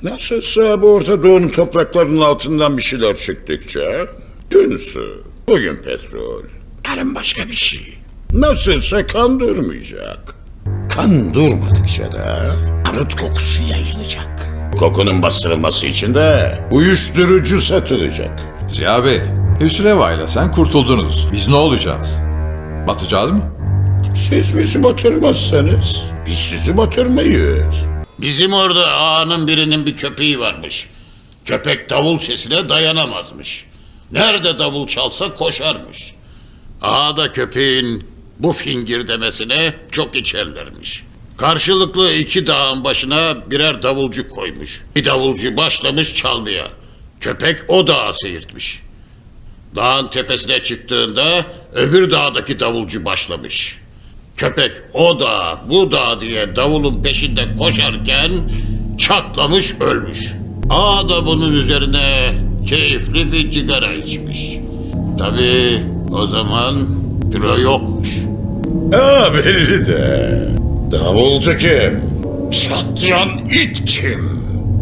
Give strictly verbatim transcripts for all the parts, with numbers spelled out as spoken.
Nasılsa bu Orta Doğu'nun topraklarının altından bir şeyler çıktıkça dün su, bugün petrol, yarın başka bir şey. Nasılsa kan durmayacak. Kan durmadıkça da barut kokusu yayılacak. Kokunun bastırılması için de uyuşturucu satılacak. Ziya Bey, Hüsreva ile sen kurtuldunuz. Biz ne olacağız? Batacağız mı? Siz bizi batırmazsanız biz sizi batırmayız. Bizim orada ağanın birinin bir köpeği varmış. Köpek davul sesine dayanamazmış. Nerede davul çalsa koşarmış. Ağa da köpeğin bu fingir demesine çok içerlermiş. Karşılıklı iki dağın başına birer davulcu koymuş. Bir davulcu başlamış çalmaya. Köpek o dağı seyirtmiş. Dağın tepesine çıktığında öbür dağdaki davulcu başlamış. Köpek o dağ bu dağ diye davulun peşinde koşarken çatlamış ölmüş. Ağa da bunun üzerine keyifli bir cigara içmiş. Tabii o zaman büro yokmuş. Ha belli de. Davulcu kim? Çatlayan it kim?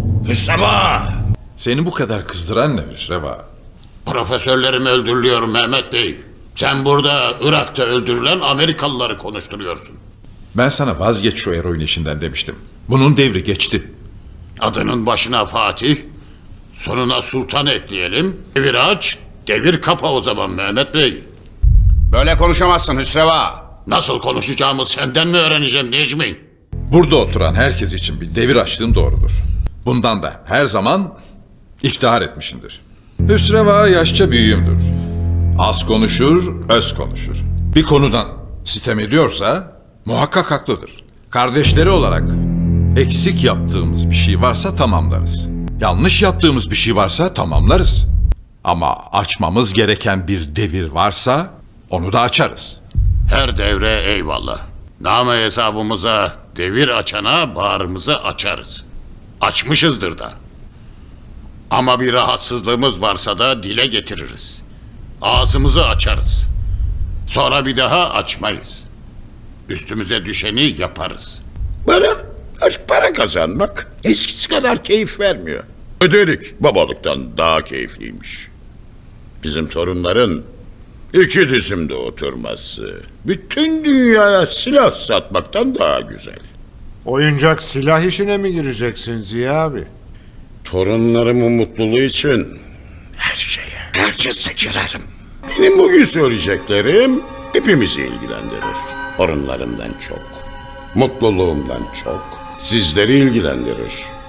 Hüsama! Seni bu kadar kızdıran ne Hüsreva? Profesörlerim öldürülüyor Mehmet Bey. Sen burada Irak'ta öldürülen Amerikalıları konuşturuyorsun. Ben sana vazgeç şu eroin işinden demiştim. Bunun devri geçti. Adının başına Fatih, sonuna Sultan ekleyelim. Devir aç, devir kapa o zaman Mehmet Bey. Böyle konuşamazsın Hüsreva. Nasıl konuşacağımı senden mi öğreneceğim Necmi? Burada oturan herkes için bir devir açtığın doğrudur. Bundan da her zaman iftihar etmişimdir. Hüsreva yaşça büyüğümdür. Az konuşur, öz konuşur. Bir konudan sitem ediyorsa muhakkak haklıdır. Kardeşleri olarak eksik yaptığımız bir şey varsa tamamlarız. Yanlış yaptığımız bir şey varsa tamamlarız. Ama açmamız gereken bir devir varsa onu da açarız. Her devre eyvallah. Name hesabımıza devir açana bağrımızı açarız. Açmışızdır da. Ama bir rahatsızlığımız varsa da dile getiririz. Ağzımızı açarız. Sonra bir daha açmayız. Üstümüze düşeni yaparız. Para, artık para kazanmak eskisi kadar keyif vermiyor. Ödedik babalıktan daha keyifliymiş. Bizim torunların iki dizimde oturması bütün dünyaya silah satmaktan daha güzel. Oyuncak silah işine mi gireceksin Ziya abi? Torunlarımın mutluluğu için her şeye, herkese girerim. Benim bugün söyleyeceklerim hepimizi ilgilendirir. Torunlarımdan çok, mutluluğumdan çok sizleri ilgilendirir.